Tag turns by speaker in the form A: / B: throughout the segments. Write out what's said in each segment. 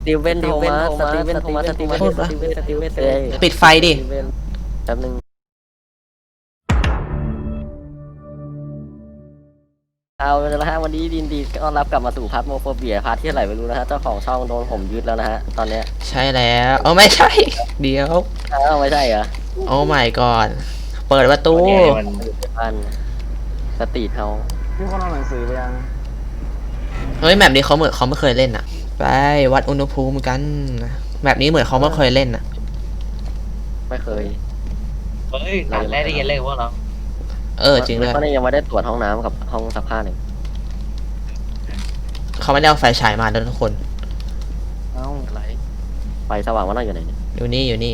A: ตีเวนโทมัสสตีเวนโทมัสสตีเวนสตีเวนสตีเวน
B: ปิดไฟดิ
A: แป๊บนึงเอาละฮะวันนี้ดินดีต้อนรับกลับมาสู่พัทโมโฟเบียพาร์ทที่ไหนไม่รู้นะฮะเจ้าของช่องโดนผมยึดแล้วนะฮะตอนเนี้ย
B: ใช่แล้วไม่ใช่ เดี๋ยว
A: ไม่ใช่เหรอ
B: โอ้ my god เปิดประตู
A: มันอยู่ในบ้านสตรีทเฮา
C: พี่คนเอาหนังสือไปยัง
B: เฮ้ยแมปนี้เขาเหมือนเขาไม่เคยเล่นอ่ะไปวัดอุณหภูมิกันแมปนี้เหมือนเขาไม่เคยเล่นอ่ะ
A: ไม่เคย
D: เฮ้ยด่านแรกได้ยินเลยว่าเรา
B: จริงด้วย
A: เขายังไม่ได้ตรวจห้องน้ำกับห้องซักผ้าเลย
B: เขาไม่ได้เอาไฟฉายมาด้วยทุกคน
A: เอ้าอะไรไฟสว่างว่าน่าอยู่ไหนเนี่ย
B: อยู่นี่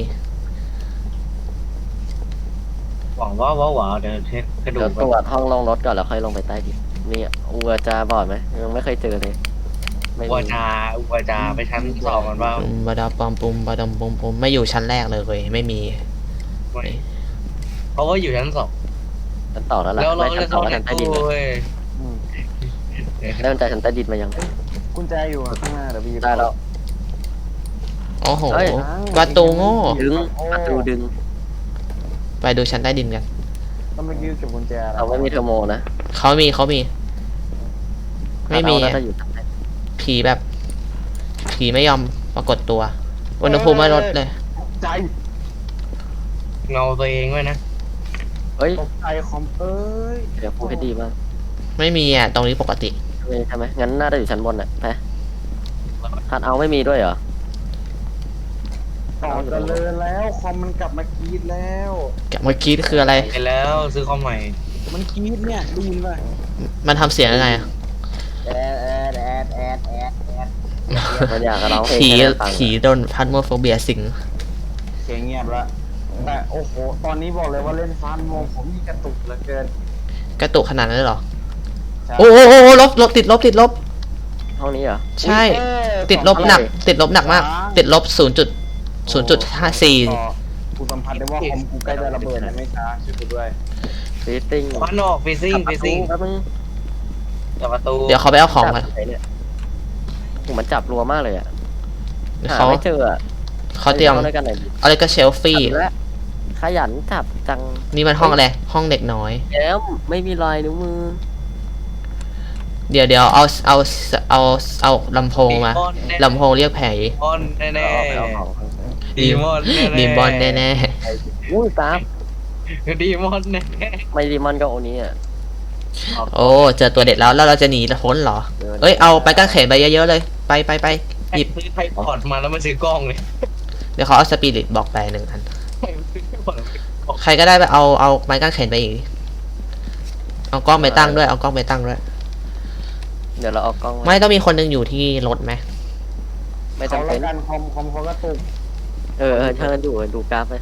D: หวังว่าเดี๋ยวเช็คกระดูก
A: ตรวจห้องลงรถก่อนแล้วค่อยลงไปใต้ดินนี่อัวจาบอดไหมยังไม่เคยเจอเลย
D: อุวจาไปชั้นสองกันบ้าง
B: บาดาปอมปุมบาดาปอมปุมไม่อยู่ชั้นแรกเลยไม่มี
D: เพราะว่าอยู่ชั้นสอง
A: ชั้นต่อแล้วล่ะไม่ชั้นสองแล้วชั้นใต้ดินเริ่มจากชั้นใต้ดินมายัง
C: กุญแจอยู่ข้างหน้าเดี๋ยวพี่
A: ได้แล้ว
B: โอ้โหประตูโง่
A: ดึงประตูดึง
B: ไปดูชั้นใต้ดินกัน
C: ต้องไปยืมเก็บกุญแจ
A: เราไม่มีเทอร์โมนะ
B: เขามีไม่มีผีแบบผีไม่ยอมปรากฏตัวอุณหภูมิไม่ลดเลย
C: ใจ
D: เงาตัวเองไว้นะ
A: เฮ้ย
C: ตกใจคอม
A: เดี๋ยวพูดให้ดีมาก
B: ไม่มีอ่ะตรงนี้ปกติ
A: ใช่ไหมงั้นน่าจะอยู่ชั้นบนแหละไปคัดเอาไม่มีด้วยเหรอ
C: ต่อจะเลยแล้วคอมมันกลับมากรีดแล้ว
B: กลับมากรีดคืออะไร
D: เห็นแล้วซื้อคอมใหม่
C: มันกรีดเนี่ยดูยินป่ะ
B: มันทำเสียงยังไง
C: แอด
A: มันอยากร้องเพลง
B: ผีโดนพัดโมโฟเบียสิง
C: เสียงเงียบละแต่โอ้โหตอนนี้บอกเลยว่าเล่นฟานโมผมมีกระตุกเหลือเกิน
B: กระตุกขนาดนั้นเลยเหรอโอ้ลบติดลบ
A: ห้องนี้เหรอ
B: ใช่ติดลบหนักมากติดลบ0.54
C: กูสัมผัสได้ว่าคอมกูใกล้จะระเบิดไม่ช้าช่วยกูด้วย
A: ฟีติ้ง
D: ควันออกฟีซิ่งจับประตู
B: เดี๋ยวเขาไปเอาของกัน
A: ผมมันจับรัวมากเลยอ่ะหาไม่เจอ
B: เขาเตรียมอะไรก็เชลฟี่
A: ขยันจับจัง
B: นี่มันห้องอะไรห้องเด็กน้อย
A: แล้วไม่มีรอยนิ้วมือ
B: เดี๋ยวเอาลำโพงมาลำโพงเรียกแผล
D: แน่ดี
B: มอนแน่
A: อุ้ยตาม
D: ดีมอนแน่
A: ไม่ดีมอนก็โอนี้อ่ะ
B: โอ้เจอตัวเด็ดแล้วเราจะหนีพ้นเหรอเอ้ยเอาไปกางเขนไปเยอะๆเลยไปหยิบ
D: ไทยพอร์ตมาแล้วมาซื้อกล้องเลย
B: เดี๋ยวเขาเอาสปิริตบอกไป1 อันใครก็ได้ไปเอาไม้กางเขนไปอีกเอากล้องไปตั้งด้วย
A: เดี๋ยวเราเอากล้อง
B: ไม่ต้องมีคนนึงอยู่ที่รถไหม
A: ไม่จำเป็น
C: คอมเขาก็ตุก
A: เชิญดูกราฟเลย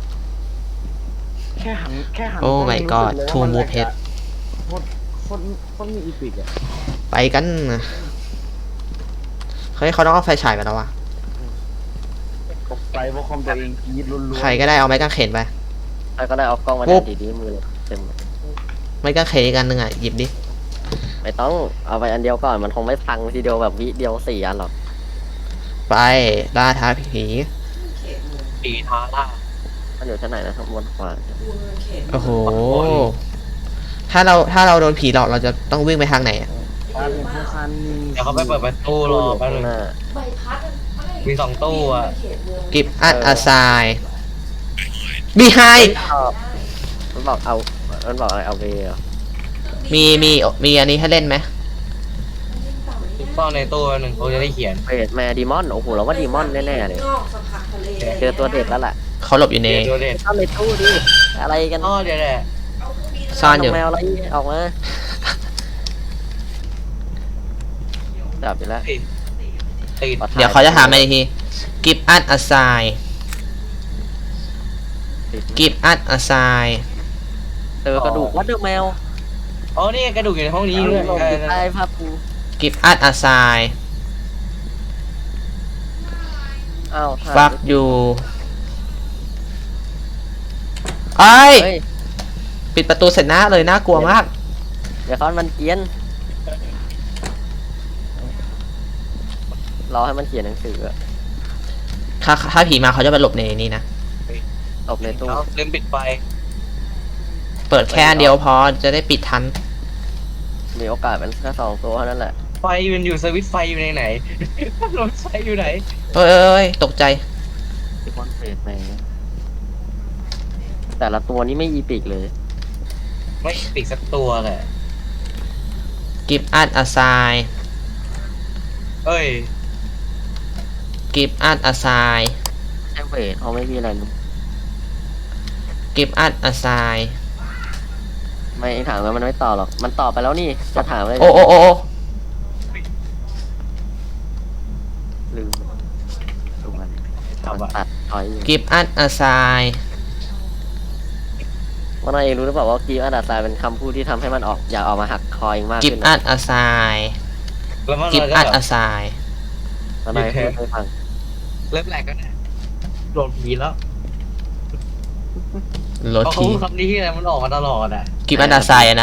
C: แค่หัน
B: โอ้ my god ทูมูเพชร
C: คนมีอีพิกอะ
B: ไปกันเฮ้ยเขาต้องเอาไฟฉายไปแล้ววะ
C: ตกใจเพราะคอมตัวเองยีดรุน
B: ใครก็ได้เอาไม้กางเขนไป
A: ใครก็ได้เอากล้องมาดีมือเต็ม
B: ไม้กางเขนอีกอันหนึ่งอ่ะหยิบดิ
A: ไม่ต้องเอาไปอันเดียวก่อนมันคงไม่พังทีเดียวแบบวิเดียว4 อันหรอก
B: ไปล่าท้าผี
D: ท้าล่า
A: มันอยู่ชั้นไหนนะข้างบนขวา
B: โอ้โหถ้าเราโดนผีหลอกเราจะต้องวิ่งไปทางไหน
D: เดี๋ยวเขาไปเปิดประตูรอแป๊บนึงมี2 ตู้อ่ะ
B: กิฟต์อัดอาไซบีไฮ
A: มันบอกอะไรเอาเว
B: มีอันนี้ให้เล่นไหม
D: ซ่อนในตู้นึงเขาจะได้เขียน
A: เวทแมดีมอนโอ้โหเราว่าดีมอนแน่ๆเลยเจอตัวเด็ดแล้วแหละ
B: เขาหลบอยู่ใน
A: เข้าในตู้ดิอะไรกัน
D: เดี๋ยว
B: ซ่อนอยู่
A: แมวอะไรออกมาจับไปแล้ว
B: เดี๋ยวเขาจะถามมาอีกทีกิฟต์อัดอาไซ
A: เจอกระดูกวัดเดอร์แมว
D: นี่กระดูกอยู่ในห้องนี้ด้วย
A: ใช่ครับกู
B: กิฟต์อัดอาไซฟักอยู่ไอ้ปิดประตูเสร็จหน้าเลยน่ากลัวมาก
A: เดี๋ยวเขามันเกียนรอให้มันเขียนหนังสืออะ
B: ถ้าผีมาเขาจะไปหลบในนี้นะ
A: ตบในตู้
D: เอาลืมปิดไฟ
B: เปิดแค่อันเดียวพอจะได้ปิดทัน
A: มีโอกาสเป็นแค่2 ตัวเท่านั้นแหละ
D: ไฟมันอยู่สวิตช์ไฟอยู่ในไหนรถไฟอยู่ไหน
B: เอ้ยตกใจ
A: ที่คอนเฟสไปแต่ละตัวนี้ไม่อีปิกเลย
D: ไม่ปิดสักตัวเลย
B: give us a sign
D: เอ้ย
B: give us a sign
A: ใช่เวทเขาไม่มีอะไรรู้
B: give us a sign
A: ไม่เองถามมันไม่ตอบหรอก มันตอบไปแล้วนี่จะถามอะไร
B: โอ้
A: ลืมดูมัน
D: ทำอะ
A: ตัดถอยอยู่
B: give us a sign
A: ว่านายเองรู้หรือเปล่าว่ากีอันดับทรายเป็นคำพูดที่ทำให้มันออกอยากออกมาหักคอยมาก
B: give
A: ขึ้นนะ
B: us a sign
D: แล้วมัน
B: give
D: ก็
B: us
D: แบบ
B: a sign
A: ว่านายพูดให้ฟัง
D: เริ่มแหลกกันเนี่ยโดนผีแล้ว
B: รถ
D: เพราะเขา
B: ที
D: พูดคำนี้ที่อะไรมันออกมาตลอดอ่ะ
B: give us a sign อะนะ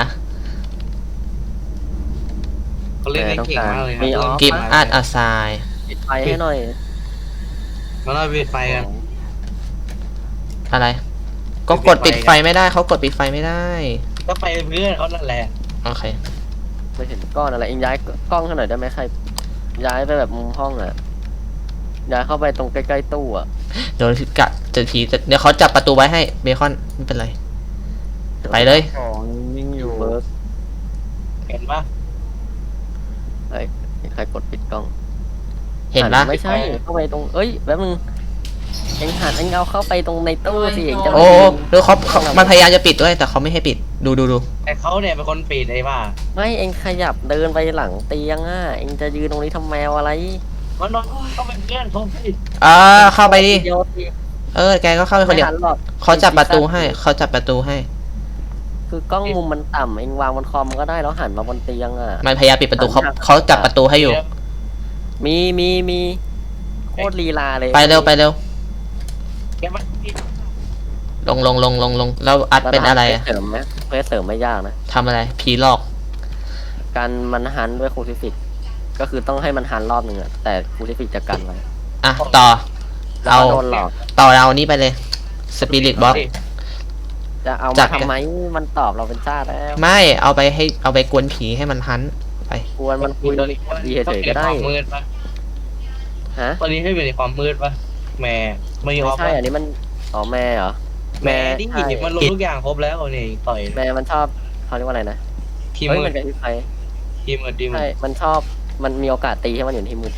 D: เขาเล่นได้เก่งมากเลยนะ
A: มีออฟ
B: give us a sign
A: ปิดไฟให้หน่อย
D: มาเราปิดไฟกัน
B: อะไร ก็กดปิดไฟไม่ได้เขากดปิดไฟไม่ได้
D: ก็ไปเพื่อนเขานั่นแหละ
B: โอเค
A: ไม่เห็นก้อนอะไรเองย้ายกล้องให้หน่อยได้ไหมใครย้ายไปแบบมุมห้องอ่ะย้ายเข้าไปตรงใกล้ๆตู้อ่ะ
B: เดี๋ยวกะจะผีเดี๋ยวเขาจับประตูไว้ให้เบคอนไม่เป็นไร ไปเลย
C: ของยิ่งอยู่
A: เบิร์ก
D: เห็นปะ
A: เฮ้ยใครกดปิดกล้อง
B: เห็นปะ
A: ไม่ใช่เข้าไปตรงเอ้ยแป๊บนึงเอ็งหันเอ็งเอาเข้าไปตรงในตู้สิเอ็งจะ
B: โอ้หรือเขามันพยายามจะปิดด้วยแต่เขาไม่ให้ปิดดู
D: แต่เขาเนี่ยเป็นคนปิดไอ้บ้า
A: ไม่เอ็งขยับเดินไปหลังเตียงอ่ะเอ็งจะยืนตรงนี้ทำแมวอะไร
D: มันนอนเขาเป็นเพื่อนเขาปิด
B: เข้าไปดิ
A: เดียวสิ
B: แกก็เข้าไปคนเดียว
A: ไม่หันหรอก
B: เขาจับประตูให้เขาจับประตูให้
A: คือกล้องมุมมันต่ำเอ็งวางบนคอมก็ได้แล้วหันมาบนเตียงอ่ะ
B: มันพยายามปิดประตูเขาจับประตูให้อยู่
A: มีโคตรลีลาเลย
B: ไปเร็ว
D: แกมันปิด
B: ลงแล้วอัดเป็นอะไรอะ
A: เสริมไหมเพื่อเสริมไม่ยากนะ
B: ทำอะไรผีหลอก
A: การมันหันด้วยคูซิฟิกก็คือต้องให้มันหันรอบหนึ่งอะแต่คูซิฟิกจะกันไว้
B: อ่ะต่อ
A: แล้วก็โดนหลอก
B: เอานี้ไปเลยสปิริตบ็อก
A: จะเอา
B: จั
A: มา
B: ด
A: ทำไมมันตอบเราเป็นชาติแล้ว
B: ไม่เอาไปกวนผีให้มันฮันไป
A: ควรมันคุยดีเฉยๆก็ได้
D: ความมืดปะ
A: ฮะ
D: ตอนนี้ให้อยู่ในความมืดปะแม่ไม่ยอ
A: ไม่
D: ม
A: ใช่อันนี้มันอ๋อแม่เหรอ
D: แม่ดิ
A: ใช่
D: มันรู้ทุกอย่างครบแล้วนี่ต่อย
A: แม่มันชอบเขาเรียกว่าอะไรนะ
D: ทีม
A: เฮ้ย
D: มื
A: มั
D: ด
A: นกับที่ใคร
D: ทีมมืดทีมมื
A: ใช่
D: ด
A: มันชอบมันมีโอกาสตีให้มันอยู่ที่มือ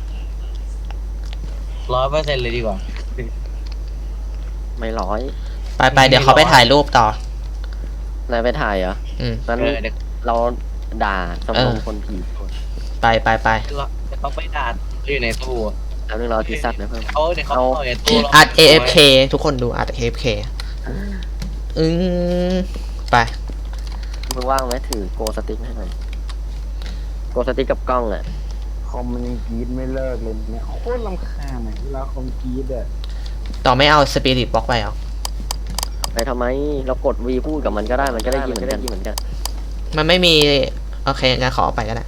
D: 100%เลยดีกว่า
A: ไม่ร้อย
B: ไปเดี๋ยวเขาไปถ่ายรูปต่อ
A: นายไปถ่ายเหรอ
B: อืม
A: นั้น
D: เดี๋ยว
A: เราด่าสมรมคนผี
B: ไป
D: เขาไปด่าอยู่ในตู้
A: แล้วนึงเราทีซัดนะเพิ่ม
D: เขาเดี๋ยวเขาต่อยในตู้
B: อัด AFK ทุกคนดูอัด AFK ไป
A: มึงว่างไหมถือโกสติ๊กให้หน่อยโกสติ๊กกับกล้องอ่ะ
C: คอมมันยังกรีดไม่เลิกเลยเนี่ยโคตรรำคาญอ่ะเวลาคอมกรีดอ่ะ
B: ต่อไม่เอาสปิริตบ็อกไปเหรอ
A: ไปทำไมเรากด V พูดกับมันก็ได้มันก็ได้ยินเหมือนกัน
B: มันไม่มีโอเคงั้นขอเอาไปก็ได้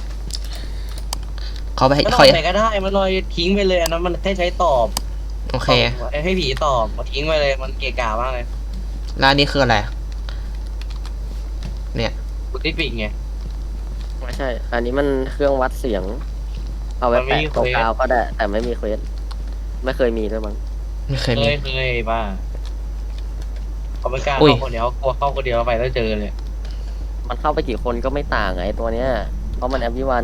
B: ขอไปให้
D: ก็
B: ขอ
D: ไหนก็ได้มันลอยทิ้งไปเลยอันนั้นมันแค่ใช้ตอบ
B: โอเค
D: ให้ผีตอบมาทิ้งไปเลยมันเกะกะมากเลย
B: แล้วอันนี้คืออะไรเนี่ย
D: กูติปิกไง
A: ไม่ใช่ อันนี้มันเครื่องวัดเสียง เอาไว้
D: มันไม่
A: แปะ
D: มี
A: ตรง
D: เควส
A: กาวก็ได้ แต่ไม่มีเควสไม่เคยมีด้วยมั้ง
B: ไม่เคย
D: เค
B: มี
D: ยบ้าเขาไม่กล้า
B: อุ้ย
D: เข้าคนเดียวกลัวเข้าคนเดียวไปแล้วเจอเลย
A: มันเข้าไปกี่คนก็ไม่ต่างไงตัวเนี้ย เพราะมันแอปวิวัน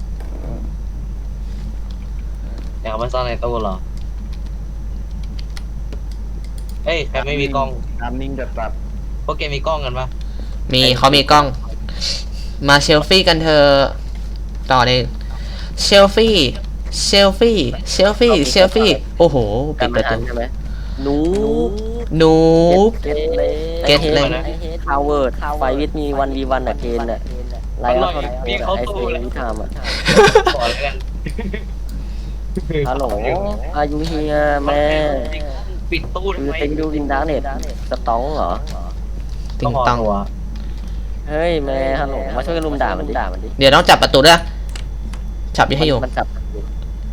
D: อยากเอามาซ่อนในตู้เหรอเฮ้ยใครไม่มีกล้อง
C: ตามนิ่งจัด
D: พวกแกมีกล้องกันปะ
B: มีเขามีกล้อง มาเซลฟี่กันเธอะต่อเลยเซลฟี่โอ้โหปิดประตู
A: ใช่ไหมหนู
B: นูบ
A: เก็ตเลย
B: เก็ตเลย
A: คาวเวิร์ดไฟวิทมี1v1อะเคนอะไลน์เอาไอเฟนวิธามอะ
D: ก่อนแล้วกัน
A: ฮัลโหลอายุเฮียแม่
D: ปิดตู้
A: คื
D: ทำ
A: อ
D: ไม
A: เต็งดูดินดาร์เน็ตสตองเหรอ
B: ติงตัง
D: หัว
A: เฮ้ยแม่ฮัลโหลมาช่วยกันลุมด่ามันดิ
B: เดี๋ยวต้องจับประตูด้วยจับให้อยู่
A: มันจับ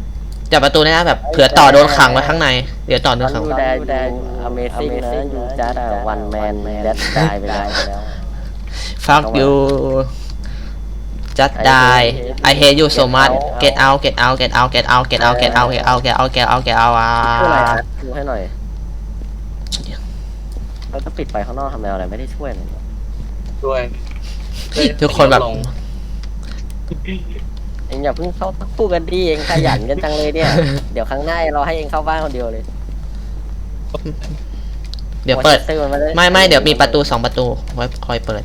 B: จับประตูได้นะแบบเผื่อต่อโดนขังไว้ข้างในเดี๋ยวต่อโดนขัง
A: ยูแดยูอเมซิ่งนะยูจัดวันแมนแดดตายไปแล้ว
B: fuck you just die I hate you so much get out get out get out get out get out get out get out get out get out get out
A: ช่วยอะไรนะดูให้หน่อยเราจะปิดไฟข้างนอกทำอะไรไม่ได้ช่วยเลย
D: ด้วย
B: ทุกคนแบบ
A: เองอย่าเพิ่งเข้าคู่กันดิเองขยันกันจังเลยเนี่ย เดี๋ยวครั้งหน้าเราให้เองเข้าบ้านคนเดียวเลย
B: เดี๋ยวเปิด
A: ซื้อมันด้
B: ไม่เดี๋ยวมีประตู2 ประตูไว้คอยเปิด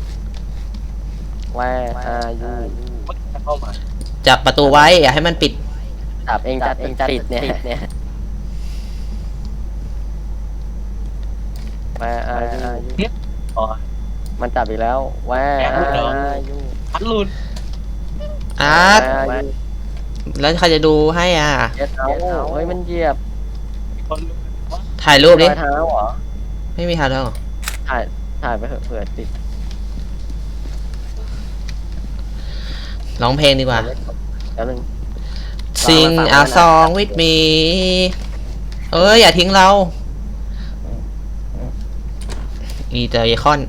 A: ว่าอายุ
D: เข้ามา
B: จับประตูไว้อย่าให้มันปิด
A: จับเองจัดปิดเนี่ยว่าอายุ
D: อ๋อ
A: มันจับอีกแล้วว่าอายุ
D: พัดหลุด
B: อาร์ตแล้วใครจะดูให้อ่ะ
A: เจ็ดเอาเฮ้ยมันเหยียบ
D: คน
B: ถ่ายรูปดิ
A: รอยเท้าเหรอ
B: ไม่มีถ่ายแล้วเหรอ
A: ถ่ายไปเถอะเผื่อติด
B: ร้องเพลงดีกว่า
A: แล้วนึง
B: Sing a song with me เอ้ยอย่าทิ้งเราอีเตอร์คอน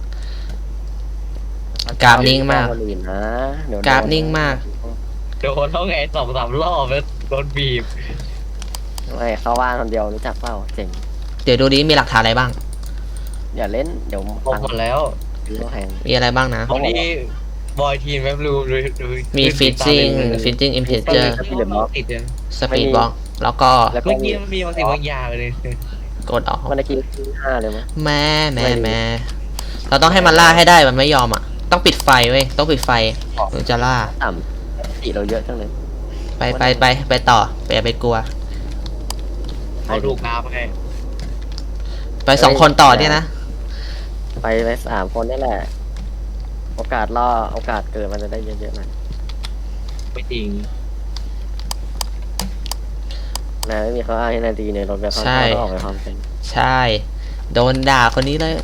B: กราฟนิ่งมาก กราฟนิ่งมาก
D: โดนต้องไง2-3 รอบแล้วโดนบีบ
A: ไม่เข้าบ้านคนเดียวรู้จักเปล่าเจ๋ง
B: เดี๋ยวดูดิมีหลักฐานอะไรบ้าง
A: อย่าเล่นเดี๋ยว
D: บอกหมดแล้ว
A: ซื้อแพง
B: มีอะไรบ้างนะ
D: วันนี้บอยทีมแบบรูดู
B: มี fitting integer
D: ติดเลย
B: speed block แล้วก็
A: แล้วก็
D: เมื่อกี้มันมีบางสิ่งบางอย่างเลย
B: กดออก
A: มันได้กิน5เลยมั้ย
B: แม่เราต้องให้มันล่าให้ได้มันไม่ยอมอ่ะ ต้องปิดไฟเว้ยต้องปิดไฟถึงจะล่า
A: ต่ำสีเราเยอะจังเลย
B: ไปต่ออย่าไปกลัว
D: เขาดูกราฟไง
B: ไป2 คนต่อเนี่ยนะ
A: ไป3 คนนี่แหละ โอกาสเกิดมันจะได้เยอะๆหน่อย
D: ไม่จริง
A: นะไม่มีเขาอ้างให้นาดีในรถแบบเขา
B: ใช่
A: ต้องออกไปพร้อมกัน
B: ใช่ โดนด่าคนนี้เลย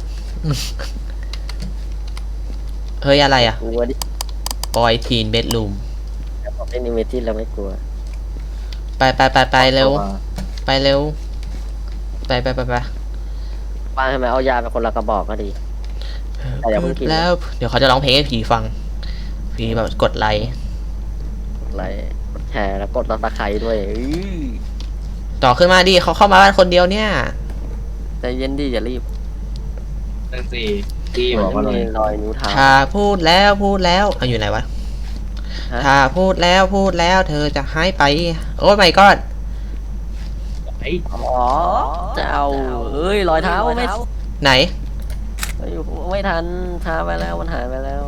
B: เฮ้ยอะไรอ่ะ
A: กลัวดิ
B: บอยทีนเบดรูม
A: แต่ผมเล่นนิเมจินเราไม่กลัว
B: ไปเร็ว ไปเร็ว ไป
A: บ้านทำไมเอายาไปคนละกระบอกก็ดี แต่อย่าเพิ่งกิน
B: แล้ว เดี๋ยวเขาจะร้องเพลงให้ผีฟัง ผีแบบกดไลค์
A: ไลค์กดแชร์แล้วกดตะไคร้ด้วย
B: ต่อขึ้นมาดิเขาเข้ามาบ้านคนเดียวเนี่ย
A: ใจเย็นดิอย่ารีบ
D: นั่นสิที่บอกว่า
A: มัน
D: เรา
A: มีรอยนิ้วเท้า
B: ถ้าพูดแล้วเอาอยู่ไหนวะ
A: ฮะ
B: ถ้าพูดแล้วเธอจะหายไป โอ้ my god
D: ไอ้
A: อ๋อจะเอาเอ้ยรอยเท้าไม่
B: ไหน
A: ไม่ทันช้าไปแล้วมันหายไปแล้ว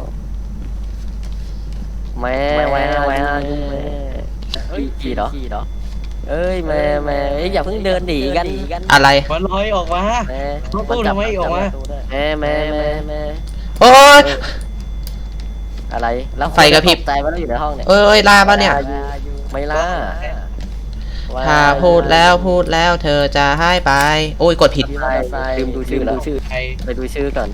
A: แม่เฮ้ยขี่เหรอเอ้ยแม่อย่าเพิ่งเดินหนีกัน
B: อะไร
D: มันลอยออกมา
A: แม่
D: ตู้ทำไมออกมา
A: แม่
B: โอ้ย
A: อะไรแล้ว
B: ไฟกระพริบ
A: ใจว่าเราอยู่ในห้องเนี่ย
B: เอ้ยล่าปะเนี่ย
A: ไม่ล่า
B: ถ้าพูดแล้วเธอจะหายไป โอ้ยกดผิด
A: ลืมดูชื่อแล้ว
D: ใคร
A: ไปดูชื่อก่อน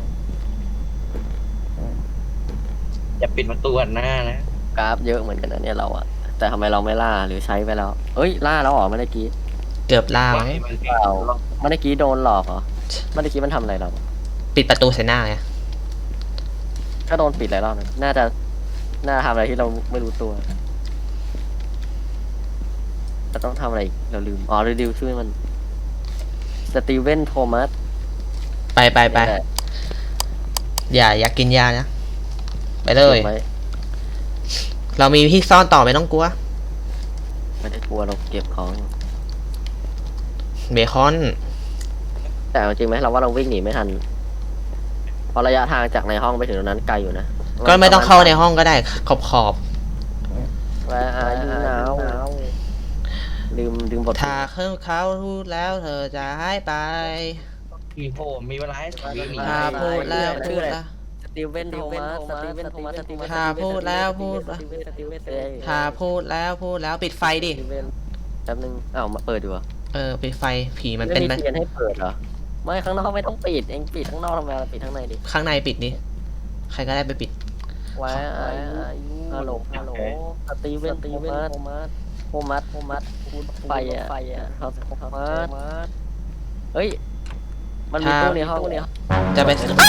D: อย่าปิดประตูหันหน้านะ
A: กราฟเยอะเหมือนกันนะเนี่ยเราอะแต่ทำไมเราไม่ล่าหรือใช้ไปแล้วเอ้ยล่าแล้วเหรอเมื่อกี้
B: เกือบล่ามั้ง
D: มัน
A: เปล่าเมื่อกี้โดนหลอกเหรอเมื่อกี้มันทำอะไรเรา
B: ปิดประตูใส่หน้าไง
A: ก็โดนปิดหลายรอบนะน่าจะทำอะไรที่เราไม่รู้ตัวจะต้องทำอะไรอีกเราลืมอ๋อรีวิวชื่อมันสตีเวนโทมัส
B: ไปอย่ากินยานะ ไปเลย เรามีที่ซ่อนต่อไม่ต้องกลัว
A: ไม่ได้กลัวเราเก็บของ
B: เบคอน
A: แต่เอาจริงไหมเราว่าเราวิ่งหนีไม่ทันเพราะระยะทางจากในห้องไปถึงตรงนั้นไกลอยู่นะ
B: ก็ไม่ต้องเข้าในห้องก็ได้ขอบ
A: ว่าอายุหนาวลืมบท
B: ถ้าเขาพูดแล้วเธอจะหายไป
D: มีโผล่มีเวลาให้วิ่งหนี
B: ถ้าพูดแล้ว
A: สตีเวนโทมัส
B: ถ้าพูดแล้วปิดไฟดิ
A: แป๊บนึงอ้าวมาเปิดดูอ่ะ
B: ปิดไฟผีมัน
A: ไม่
B: เป็น
A: มีเทียนให้เปิดเหรอไม่ข้างนอกไม่ต้องปิดเองปิดข้างนอกทำไมเราปิดข้างในดิ
B: ข้างในปิดนี่ใครก็ได้ไปปิด
A: ว่าอายุฮัลโหลสตีเวนโทมัสโฮมัสไฟอ่ะเขาโฮมัสเฮ้ยมันมีตู้ในห้องเนี่ย
B: จะไป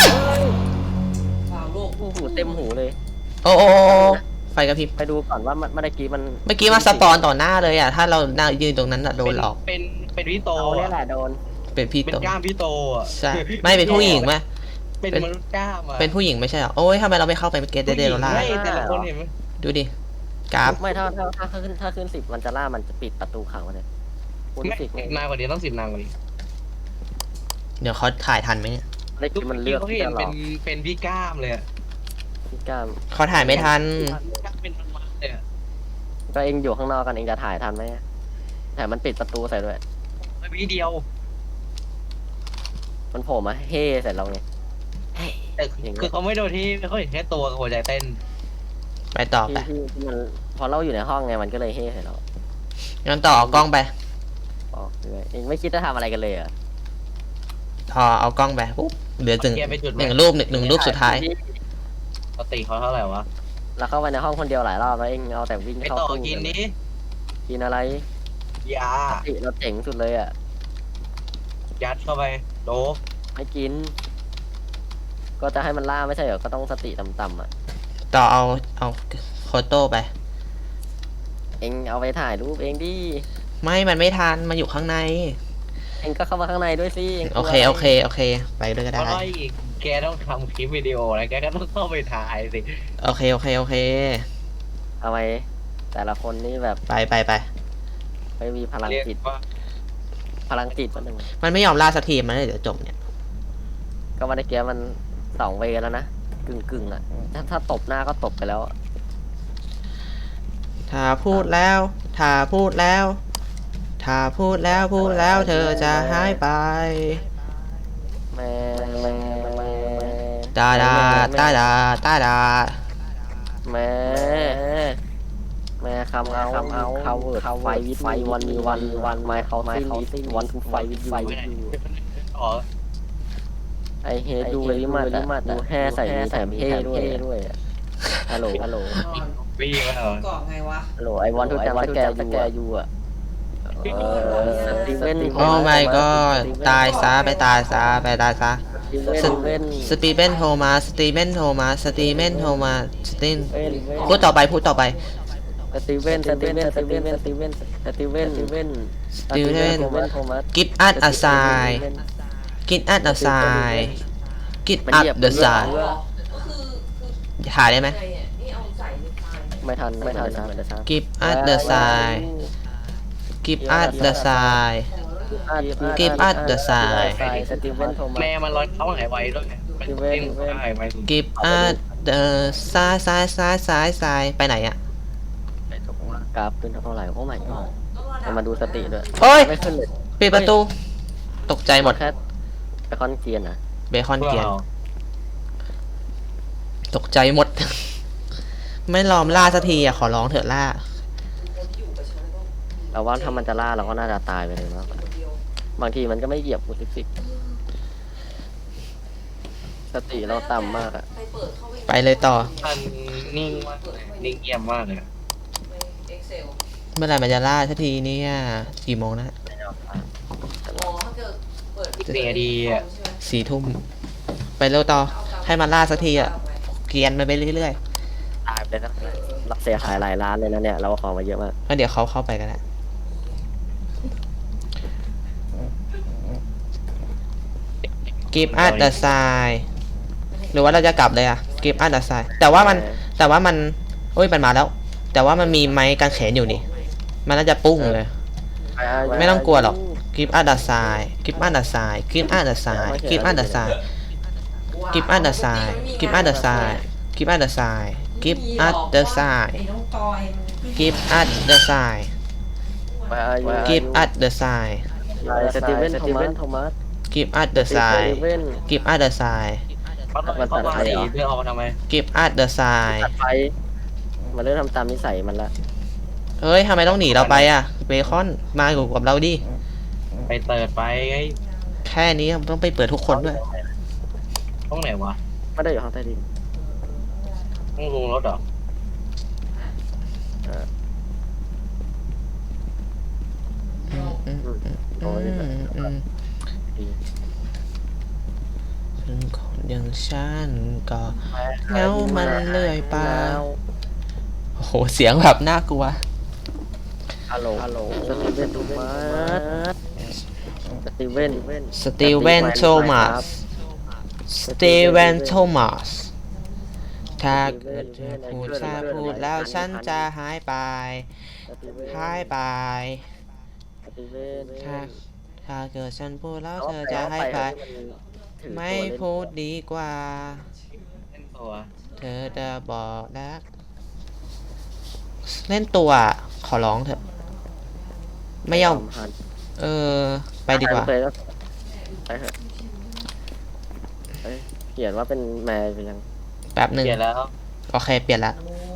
A: โอ้โหเต็มหูเลย
B: โอ้ไฟกระพริบ
A: ไปดูก่อนว่ามันเมื่อกี้มัน
B: เมื่อกี้มาสปอนต่อหน้าเลยอ่ะ ถ้าเรานั่งยืนตรงนั้นอะโดนหลอก
D: เป็นพี่โต
A: เอาเนี่ยแหละโดน
B: เป็นพี่
D: เป็น
B: โต
D: กล้ามพี่โตอ่ะ
B: ใช่ ไม่เป็นผู้หญิงไหม
D: เป็นมนุษย์กล้ามอ่ะ
B: เป็นผู้หญิงไม่ใช่เหรอ โอ้ยทำไมเราไม่เข้าไปเกตเดโรล่า
D: ไม่แต่ละคนเห็นไหม
B: ดูดิ กราฟ
A: ไม่ถ้าขึ้น10มันจะล่ามันจะปิดประตูขังมันเลยคุณ
D: ไม่
A: สิบ
D: นานกว่านี้ต้อง10 นานกว่านี้
B: เดี๋ยวเขาถ่ายทันไหมเนี่ย
A: ได้กินมันเลือก
D: เขา
A: ที่
D: เห็น
A: จะหล
D: เป็
A: อน ก
D: เป็นพี่กล้ามเลยอะ
A: พี่ก้าม
B: เขาถ่ายไม่ทัน
D: เป็นมันเลยอะ
A: ก็เองอยู่ข้างนอกกันเองจะถ่ายทันไหมแต่มันปิดประตูใส่ด้วย
D: วิเดียว
A: มันโผล่มาเฮ่ใส่เราไง
D: แต่คือเขาไม่โดนที่เขาเห็นแค่ตัวกับหัวใจเต้น
B: ไปต่อไป
A: ที่มันพอเราอยู่ในห้องไงมันก็เลยเฮ่ใส่เรา
B: งั้นต่อเอากล้องไป
A: ออกด้วยเองไม่คิดจะทำอะไรกันเลยเหรอ
B: พอเอากล้องไปปุ๊บเหลือถึง
D: เกียร์ไปจุด
B: หนึ่งรูปหนึ่งรูปสุดท้าย
D: ปกติเขาเท่าไหร่วะ
A: เราเข้าไปในห้องคนเดียวหลายรอบแล้วเองเอาแต่วิ่ง
D: ไป
A: เข้า
D: ต่อ
A: ตู้
D: กินนี้
A: กินอะไร
D: ยา
A: เราเจ๋งสุดเลยอ่ะ
D: ยัดเข้าไปโดบ
A: ไม่กิน ก็จะให้มันล่าไม่ใช่เหรอก็ต้องสติต่ำๆอ่ะ
B: ต่อเอาโฟโต้ไป
A: เองเอาไปถ่ายรูปเองดิ
B: ไม่มันไม่ทันมันอยู่ข้างใน
A: เองก็เข้ามาข้างในด้วยสิงกลัว
B: โอเค ไปด้วยก็
D: เพ
B: ได้
D: ราะว่าอีกแกต้องทำคลิปวิดีโอแล้วแกก็ต้องเข้าไปถ่ายสิ
B: โอเค
A: ทำไมแต่ละคนนี่แบบ
B: ไป
A: ไม่มีพลัง
D: เรียก
A: จิต
D: ว่า
A: พลังจิตมันหนึ่ง
B: มันไม่ยอมล่าสักทีมันเลยเดี๋ยวจบเนี่ย
A: ก็มาได้เกียมัน2 เวแล้วนะกึ่งอ่ะถ้าตบหน้าก็ตบไปแล้วอะ
B: ถ้าพูดแล้ว เธอจะหายไป
A: แม่
B: ตาดา
A: แม่คำเอาเขาเวิร์ดไฟวิไฟวันมีวันไม้เขาสิ้นวันทูไฟวิไฟวิ
D: อ๋อ
A: ไอเฮดูเวลิมัดดูแห่ใส่แถมเฮด้วยฮัลโหล
D: วิ่งมาเหรอ
E: เกาะไงวะ
A: ไอวันทูจังสแกยูอ่ะสตีเวน
B: โอ้ my god ตายซะไปตายซะ
A: สตีเวน
B: สตีเวนโทมาพูดต่อไป
A: สตีเวนโทมัส
B: give us a sign
E: ก็คือ
B: ถ่ายได้ไหม
E: ไงอ่ะนี่เอาใส่ในพาน
A: ไม่ทัน
B: give us the sign
A: สตีเวนโทมัส
D: แม่มันร้อนเขาหายไวด้วยมันเต้นหายไว
B: give us the sign ไปไหนอ่ะ
A: กราฟขึ้นเท่าไหร่โอ้ my god
E: ต้องรอ
A: มาดูสติด้วย
B: โอ้ย
A: ไม่ขึ้นเลย
B: ปิดประตู ตกใจหมด
A: แค่ไปคอนเกียนอ่ะ
B: เบคอนเกียน ตกใจหมด ไม่ลอมล่าสักทีอ่ะ ขอร้องเถอะล่า
E: คนที่อยู่กับฉันก็
A: เราว่าถ้ามันจะล่าเราก็น่าจะตายไปเลยมากกว่า
E: คนเดียว
A: บางทีมันก็ไม่เหยียบกูซิกสติเราต่ำมากอ่ะ
E: ไปเปิดเข้า
B: ไปเลยต่อ
D: มันนิ่งมากเลยนิ่งเงียบมากเลย
E: ใน Excel
B: เมื่อไหร่มันจะล่าสักทีเนี่ย กี่โมงนะ
E: อ๋อถ้าเกิดเปิด
D: อีก4 นาทีอ่ะ
E: ใช่ไหม
B: 4 ทุ่ม ไปเร็วต่อ ให้มันล่าสักทีอ่ะ เกรียนมันไปเรื่อย
A: ตายไปแล้วรับเสียหายหลายล้านเลยนะเนี่ยเราของมาเยอะมาก
B: ๆแล้วเดี๋ยวเขาเข้าไปกันแหละ give us the sign หรือว่าเราจะกลับเลยอ่ะ give us the sign แต่ว่ามันโอ้ยมันมาแล้ว แต่ว่ามันมีไม้กางเขนอยู่นี่ มันน่าจะปุ้งเลย ไม่ต้องกลัวหรอก give us the sign give us the sign give us the sign give us the sign give us the sign give us the sign give us the sign give us the sign
E: ไอ้น้องตอยมัน
B: give us the sign give us the sign
A: สตีเวนโทมัส
B: give us the sign give us the sign
D: มันเข้ามาสีเพื่อเอามาทำไม
B: give us the sign
A: ตัดไฟมันเริ่มทำตามนิสัยมันละ
B: เฮ้ยทำไมต้องหนีเราไปอ่ะเบคอนมาอยู่กับเราดิ
D: ไปเปิดไปไง
B: แค่นี้ต้องไปเปิดทุกคนด้วย
D: ห้องไหนวะ
A: ไม่ได้อยู่ห้องใต้ดิน
D: ห้องลงรถเหรอ
A: โอ้ย
B: ซึ่งคนอย่างฉันก็เหงามันเลื่อยไปโอ้โหเสียงแบบน่ากลัว
A: ฮัลโหลสตีเวนโทมัสสตีเวน
B: สตีเวนโทมัสสตีเวนโทมัสถ้าเกิดเธอพูดแล้วฉันจะหายไป หายไป
A: สตีเวน
B: ถ้าเกิดฉันพูดแล้วเธอจะหายไป ไม่พูดดีกว่า
D: เล่นตัว
B: เธอจะบอกรักเล่นตัวขอร้องเถอะ ไม่ยอมไปดีกว่า
A: ไปเถอะเขียนว่าเป็นแมวไปยัง
B: แป๊บหนึ่ง
D: เปลี่ยนแล้ว
B: โอเค เปลี่ยนละ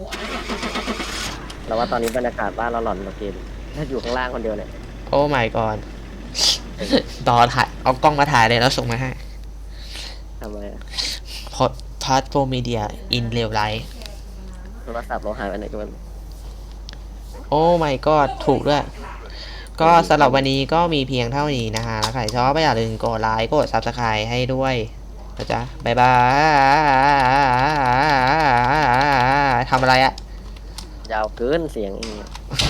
A: เราว่าตอนนี้บรรยากาศบ้านเราหลอนกว่าเกมถ้าอยู่ข้างล่างคนเดียวเนี่ย
B: โอ้ my god ต่อถ่าย เอากล้องมาถ่ายเลยแล้วส่งมาให้
A: ทำไมอะ
B: พอดพาร์ทโฟมีเดียอินเรียลไลท์
A: โทรศัพท์เราหายไปไหนกัน
B: โอ้ my god ถูกด้วย ก็สำหรับวันนี้ก็มีเพียงเท่านี้นะฮะแล้วใครชอบก็อย่าลืมกดไลค์กด subscribe ให้ด้วยนะจ๊ะ บ๊ายบายทำอะไรอะ
A: ยาวเกินเสียงเอง
B: โอเค